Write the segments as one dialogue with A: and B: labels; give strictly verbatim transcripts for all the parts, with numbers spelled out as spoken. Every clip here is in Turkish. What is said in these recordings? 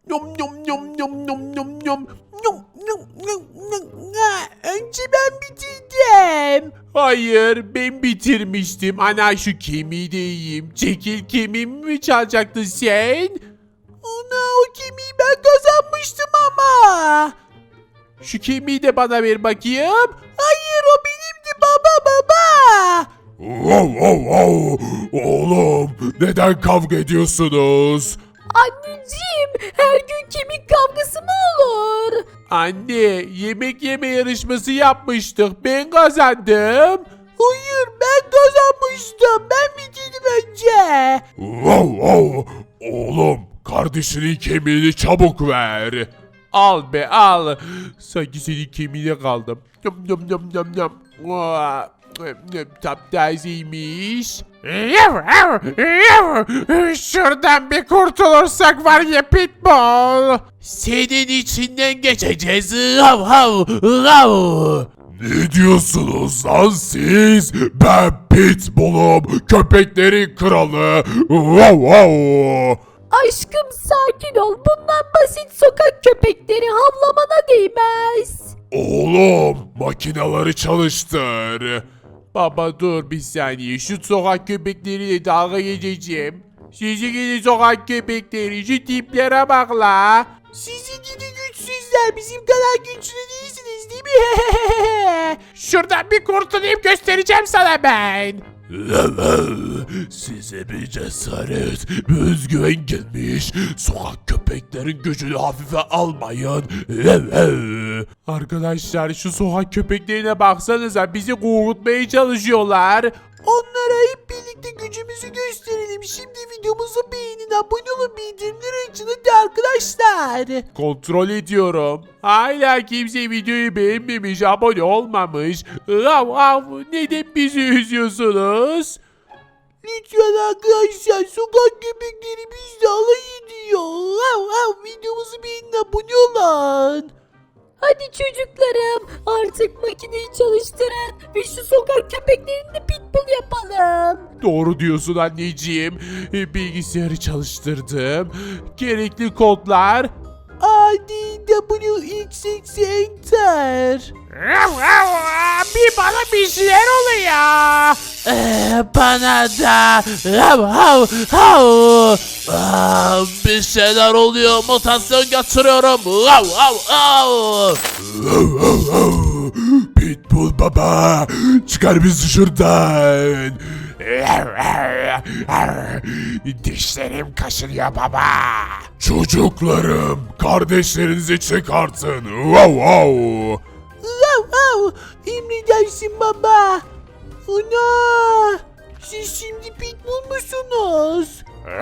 A: Yum yum yum yum yum yum yum. Yum yum yum yum. Ha, önce ben bitirdim. Hayır, ben bitirmiştim. Ana şu kemiği de yiyeyim. Çekil, kemiğimi mi çalacaktın sen? Ana, o kemiği ben kazanmıştım ama. Şu kemiği de bana ver bakayım. Hayır, o benimdi baba baba.
B: Wow, wow, wow. Oğlum neden kavga ediyorsunuz?
C: Anneciğim, her gün kemik kavgası mı olur?
A: Anne, yemek yeme yarışması yapmıştık. Ben kazandım. Hayır, ben kazanmıştım. Ben bitirdim önce.
B: Wow, wow. Oğlum kardeşinin kemiğini çabuk ver.
A: Al be al. Sanki senin kemiğine kaldım. Yum yum yum yum yum. Vaa, taptazeymiş. Şuradan bir kurtulursak var ya pitbull. Senin içinden geçeceğiz. Hav hav hav.
B: Ne diyorsunuz lan siz? Ben Pitbull'um, köpeklerin kralı. Wow, wow.
C: Aşkım sakin ol. Bundan basit sokak köpekleri havlamana değmez.
B: Oğlum makineleri çalıştır.
A: Baba dur bir saniye. Şu sokak köpekleriyle dalga geçeceğim. Sizi gidi sokak köpekleri. Şu tiplere bak la. Sizi gidi güçsüzler. Bizim kadar güçlü değilsiniz değil mi? Şuradan bir kurtulayım, göstereceğim sana ben.
B: Size bir cesaret, bir özgüven gelmiş. Sokak köpeklerin gücünü hafife almayın.
A: Arkadaşlar şu sokak köpeklerine baksanıza, bizi korkutmaya çalışıyorlar. Onlara hep birlikte gücümüzü gösterelim. Şimdi videomuzu beğenin, abone olun, bildirimleri açın hadi arkadaşlar. Kontrol ediyorum. Hala kimse videoyu beğenmemiş, abone olmamış. Av av, neden bizi üzüyorsunuz? Lütfen arkadaşlar, sokak köpekleri bizle alay ediyor. Av av, videomuzu beğenin, abone olun.
C: Hadi çocuklarım, artık makineyi çalıştırın ve şu sokak köpeklerini de pitbull yapalım.
A: Doğru diyorsun anneciğim. E, Bilgisayarı çalıştırdım. Gerekli kodlar. A D W X X Enter. Bir bana bir şeyler oluyor. Ee, bana da. Bir şeyler oluyor. Mutasyon getiriyorum.
B: Pitbull baba, çıkar bizi şuradan.
A: Dişlerim kaşınıyor baba.
B: Çocuklarım, kardeşlerinizi çıkartın. Wow, wow.
A: Wow wow. Emredersin baba. Ana. Siz şimdi pitbull musunuz?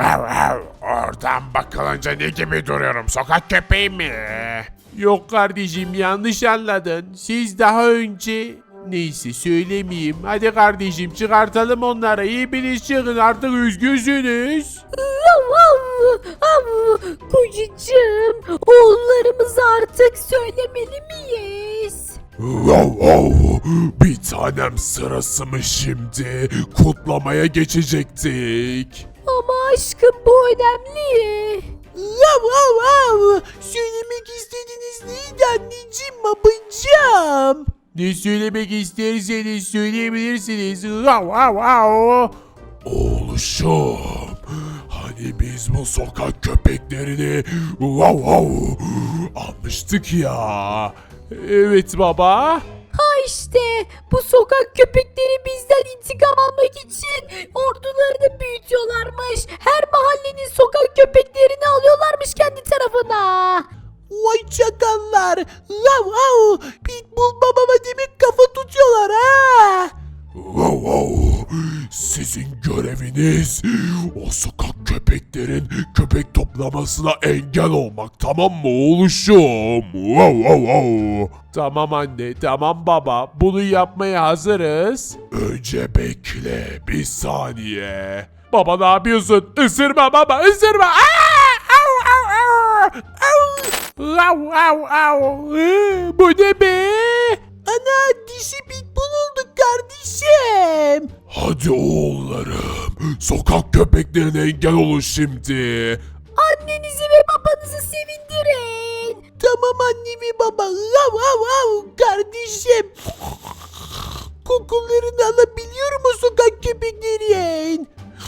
B: Oradan bakılınca ne gibi duruyorum? Sokak köpeği mi?
A: Yok kardeşim, yanlış anladın. Siz daha önce... Neyse söylemeyeyim. Hadi kardeşim, çıkartalım onları. Hepiniz çıkın artık, üzgünsünüz.
C: Av, av, av. Kocacığım, oğullarımızı artık söylemeli miyiz?
B: Wow, wow. Bir tanem sırası mı şimdi? Kutlamaya geçecektik.
C: Ama aşkım bu önemli.
A: Wow wow wow. Söylemek istediğiniz neydi anneciğim, babacığım? Ne söylemek isterseniz söyleyebilirsiniz. Wow wow wow.
B: Oğluşum, hani biz bu sokak köpeklerini wow wow almıştık ya.
A: Evet baba.
C: Ha işte bu sokak köpekleri bizden intikam almak için ordularını büyütüyorlarmış. Her mahallenin sokak köpeklerini alıyorlarmış kendi tarafına.
A: Vay çakallar. Wow wow. Pitbull babama demek kafa tutuyorlar ha.
B: Wow wow. Sizin göreviniz o sokak köpeklerin köpek toplamasına engel olmak, tamam mı oğluşum? Wow wow wow.
A: Tamam anne, tamam baba. Bunu yapmaya hazırız.
B: Önce bekle bir saniye.
A: Baba ne yapıyorsun? Isırma baba, ısırma. Aa! Au, au, au! Au! Au, au, au! Ee, Bu ne be? Ana, dişi pitbull olduk kardeşim.
B: Hadi oğullarım, sokak köpeklerine engel olun şimdi.
C: Annenizi ve babanızı sevin
A: baba. Av av av kardeşim. Kokularını alabiliyor mu sokak köpeklerin?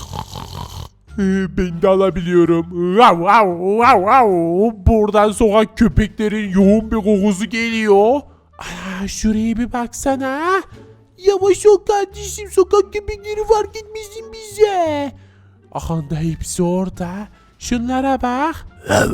A: Ben de alabiliyorum. Vav vav vav vav. Buradan sokak köpeklerin yoğun bir kokusu geliyor. Aa, şuraya bir baksana. Yavaş ol kardeşim, sokak köpekleri fark etmesin bize. Ahanda hepsi orada. Şunlara bak.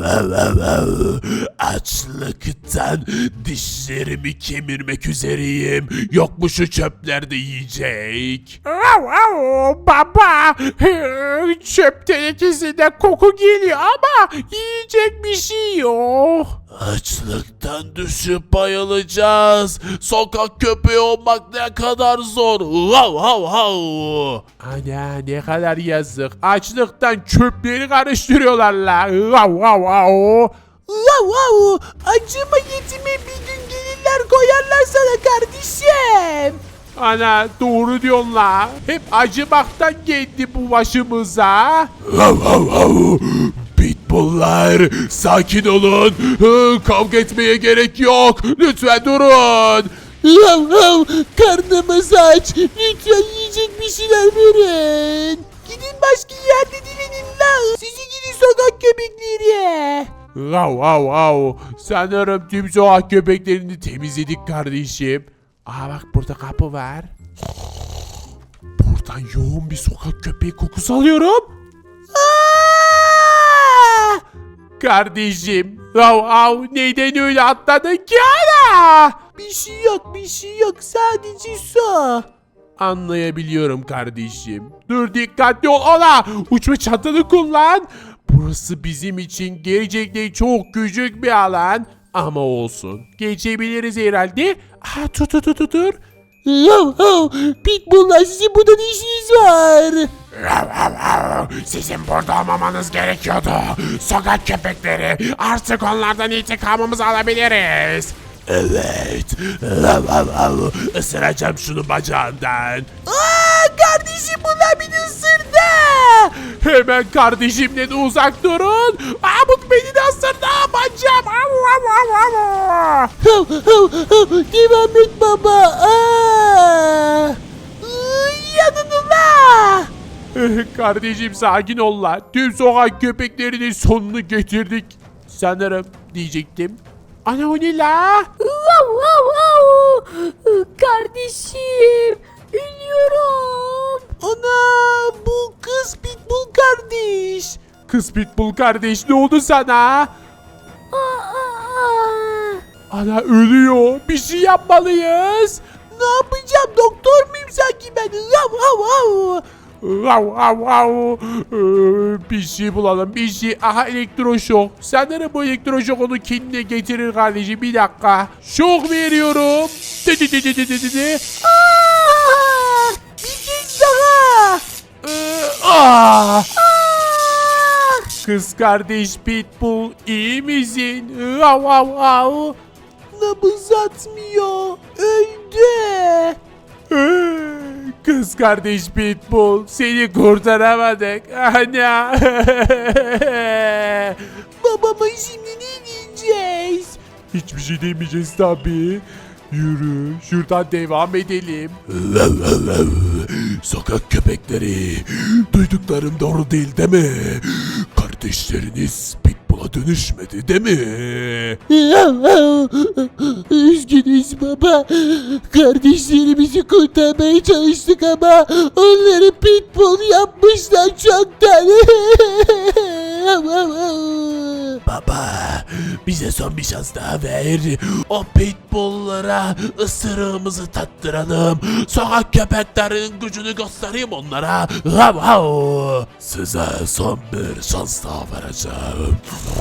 B: Açlıktan dişlerimi kemirmek üzereyim. Yok mu şu çöplerde yiyecek?
A: Baba, çöp tenekesinde koku geliyor ama yiyecek bir şey yok.
B: Açlıktan düşüp bayılacağız. Sokak köpeği olmak ne kadar zor. Hav hav hav.
A: Ana ne kadar yazık. Açlıktan çöpleri karıştırıyorlar la. Vav vav vav. Vav vav. Acıma yetime bir gün gelirler koyarlar sana kardeşim. Ana doğru diyorsun la. Hep acımaktan geldi bu başımıza.
B: Hav hav hav. Pitbulllar sakin olun. Hı, Kavga etmeye gerek yok. Lütfen durun.
A: Hav hav. Karnımız aç. Lütfen yiyecek bir şeyler verin. Gidin başka yerde dilenin la. Sizi gidin sokak köpekleri. Vav vav vav. Sanırım tüm sokak köpeklerini temizledik kardeşim. Aa bak burada kapı var. Buradan yoğun bir sokak köpeği kokusu alıyorum. Aa! Kardeşim. Vav vav. Neyden öyle atladın ki ana? Bir şey yok bir şey yok. Sadece su. Anlayabiliyorum kardeşim. Dur dikkatli ol ola. Uçma çantanı kullan. Burası bizim için gerçekten çok küçük bir alan. Ama olsun. Geçebiliriz herhalde. Aa, dur dur dur dur, dur. Yav yav. Pitbull'lar sizin burada ne işiniz var?
B: Sizin burada olmamanız gerekiyordu. Sokak köpekleri. Artık onlardan intikamımızı alabiliriz. Evet. Isıracağım şunu bacağından.
A: Aa, kardeşim bunlar beni ısırdı. Hemen kardeşimden uzak durun. Aa, bu beni de ısırdı. Bacağım. Devam et baba. Aa. Yanın ula. Kardeşim sakin ol la. Tüm sokak köpeklerinin sonunu getirdik. Sanırım diyecektim. Ana o ne la?
C: Wow, wow, wow. Kardeşim, ölüyorum.
A: Ana bu kız Pitbull kardeş. Kız Pitbull kardeş ne oldu sana?
C: Aa, aa.
A: Ana ölüyor. Bir şey yapmalıyız. Ne yapacağım? Doktor muyum sanki ben? Vav vav vav. Vav vav vav. Ee, Bir şey bulalım. Bir şey. Aha elektroşok. Sanırım bu elektroşok onu kendine getirir kardeşim. Bir dakika. Şok veriyorum. Dı dı dı dı dı dı dı. Aa! Bir kez daha. Ee, aa! Aa! Kız kardeş Pitbull iyi misin? Vav vav vav. Nabız atmıyor. Öldü. Kız kardeş Pitbull seni kurtaramadık. Ana. Babama şimdi ne diyeceğiz? Hiçbir şey demeyeceğiz tabii. Yürü şuradan devam edelim.
B: Sokak köpekleri. Duyduklarım doğru değil değil mi? Kardeşleriniz Pitbull'a dönüşmedi değil mi?
A: Üzgünüz baba. Kardeşlerimizi kurtarmaya çalıştık ama onları Pitbull yapmışlar çoktan.
B: Baba bize son bir şans daha ver. O pitbulllara ısırığımızı tattıralım. Sokak köpeklerinin gücünü göstereyim onlara. Hav hav. Size son bir şans daha vereceğim.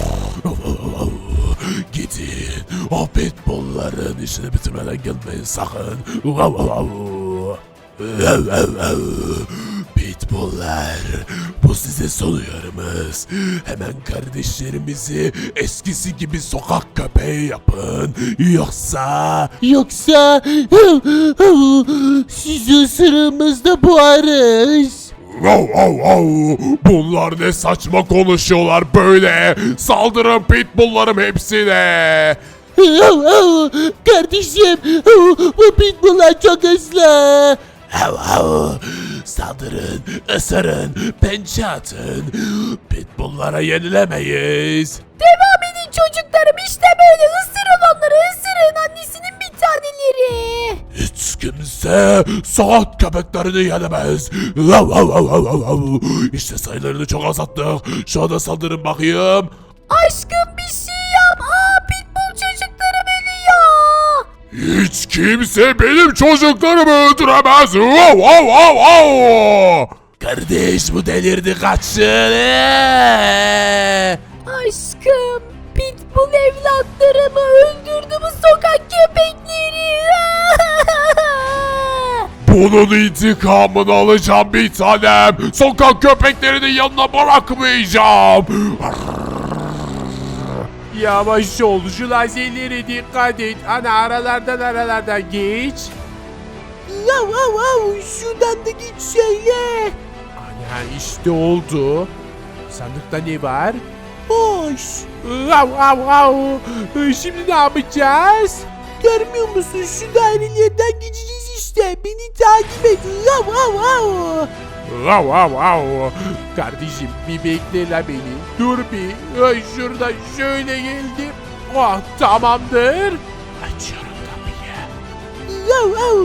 B: Gidin o pitbullların işini bitirmeden gelmeyin sakın. Hav hav. Hav hav hav. Pitbulllar, bu size son uyarımız. Hemen kardeşlerimizi eskisi gibi sokak köpeği yapın. Yoksa...
A: Yoksa sizi ısırığımızda boğarız.
B: Wow, wow, wow. Bunlar ne saçma konuşuyorlar böyle. Saldırın pitbulllarım hepsine. Kardeşim bu pitbulllar çok hızlı. Hav hav. Saldırın, ısırın, pençe atın. Pitbulllara yenilemeyiz.
C: Devam edin çocuklarım, işte böyle ısırın onları, ısırın annesinin bir taneleri.
B: Hiç kimse sokak köpeklerini yenemez. Hav hav hav hav hav hav. İşte sayılarını çok azalttık. Şu anda saldırın bakayım.
C: Aşkım bir şey yap. Aa, pitbull çocuklarım ölüyor.
B: Hiç kimse benim çocuklarımı öldüremez. Wow, wow, wow, wow. Kardeş bu delirdi kaçın. Ee!
C: Aşkım, pitbull evlatlarımı öldürdü bu sokak köpekleri.
B: Bunun intikamını alacağım bir tanem. Sokak köpeklerinin yanına bırakmayacağım.
A: Yavaş ol, şu lazerlere dikkat et. Ana aralardan aralardan geç.
C: Yav yav yav, şuradan da git şöyle.
A: Ana işte oldu. Sandıkta ne var?
C: Hoş.
A: Av av av. Şimdi ne yapacağız?
C: Görmüyor musun, şu dairelerden geçeceğiz işte. Beni takip et. Yav yav yav.
A: Av av av. Kardeşim bir bekle la beni. Dur bir. Ay, şurada şöyle geldim. Oh tamamdır. Açıyorum kapıyı.
C: Yav yav.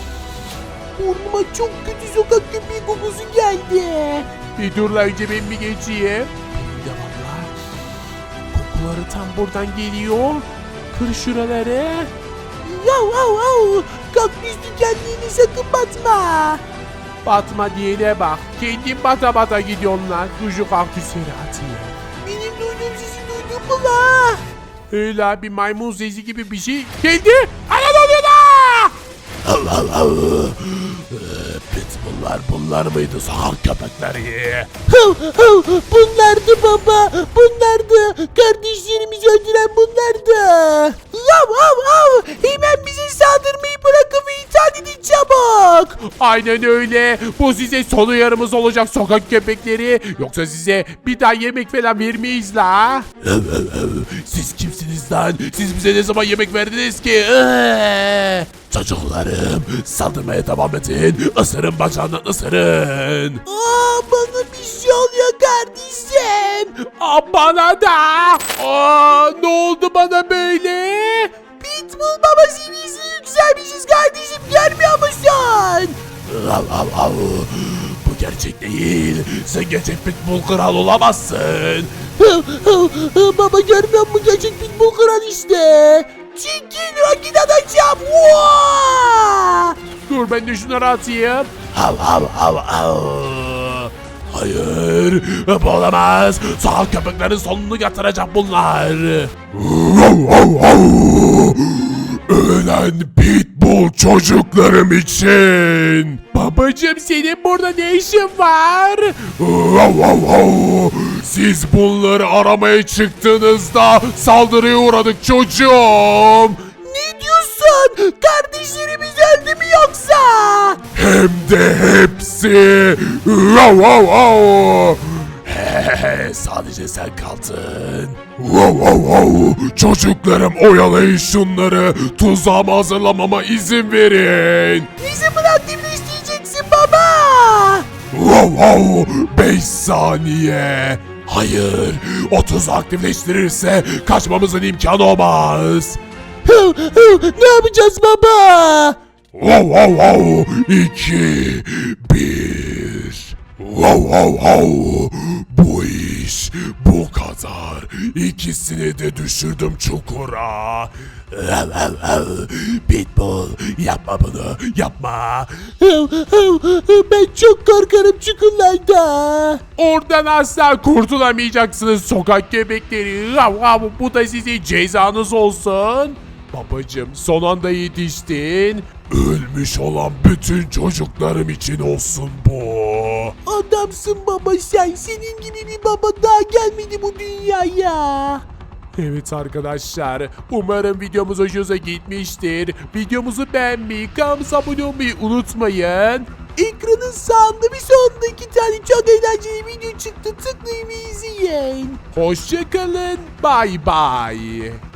C: Burnuma çok kötü sokak köpeği kokusu geldi.
A: Bir dur la önce ben bir geçeyim. Benim de valla. Kokuları tam buradan geliyor. Kır şuraları.
C: Yav yav yav. Kaktüs dikenliğine sakın batma.
A: Batma diyene bak. Kendin bata bata gidiyorsun lan. Kuzu kaktüsleri atıyor.
C: Benim duyduğum sesi duydun mu la?
A: Öyle bir maymun sesi gibi bir şey geldi. Ana ne oluyor la?
B: Allah Allah. Pitbulllar bunlar mıydı sokak köpekleri?
C: Hav hav, bunlardı baba, bunlardı. Kardeşlerimizi öldüren bunlardı. Hav hav hav, hemen bize saldırmayı bırakın ve itaat edin çabuk.
A: Aynen öyle. Bu size son uyarımız olacak sokak köpekleri. Yoksa size bir daha yemek falan vermeyiz la.
B: Siz kimsiniz lan? Siz bize ne zaman yemek verdiniz ki? Ee! Çocuklarım saldırmaya devam edin. Isırın bacağından ısırın.
C: Aa, bana bir şey oluyor kardeşim.
A: Aa, bana da. Aa, ne oldu bana böyle?
C: Pitbull baba seviyesine yükselmişiz kardeşim, görmüyor musun?
B: Av av av. Bu gerçek değil. Sen gerçek pitbull kral olamazsın.
C: Hav hav, hav, baba görmüyor musun, gerçek pitbull kral işte. Çekil vakit atacağım. Vaa!
A: Dur ben de şunları atayım.
B: Av av av av. Hayır, bu olamaz. Sokak köpeklerin sonunu getiracak bunlar. Ölen pitbull çocuklarım için.
A: Babacım senin burada ne işin var?
B: Siz bunları aramaya çıktığınızda saldırıya uğradık çocuğum.
C: Ne diyorsun? Kardeşlerimiz öldü mü yoksa?
B: Hem de hepsi. Wow, wow, wow. He, sadece sen kaldın. Wow, wow, wow. Çocuklarım oyalayın şunları. Tuzağımı hazırlamama izin verin.
C: Ne zaman aktifleştireceksin baba?
B: Wow, wow. Beş saniye. Hayır. O tuzağı aktifleştirirse kaçmamızın imkanı olmaz.
C: Hav hav, ne yapacağız baba?
B: Wow, wow, wow. İki, bir. Wow, wow, wow. Bu iş bu kadar. İkisini de düşürdüm çukura. Ev, ev, ev. Pitbull yapma bunu yapma.
C: Hav hav, ben çok korkarım çukurlarda.
A: Oradan asla kurtulamayacaksınız sokak köpekleri. Av, av, bu da size cezanız olsun. Babacım son anda yetiştin.
B: Ölmüş olan bütün çocuklarım için olsun bu.
C: Adamsın baba sen. Senin gibi bir baba daha gelmedi bu dünyaya.
A: Evet arkadaşlar, umarım videomuz hoşunuza gitmiştir. Videomuzu beğenmeyi, kanalımıza abone olmayı unutmayın.
C: Ekranın sağında bir sonunda iki tane çok eğlenceli video çıktı. Tıklayın ve izleyin.
A: Hoşçakalın, bay bay.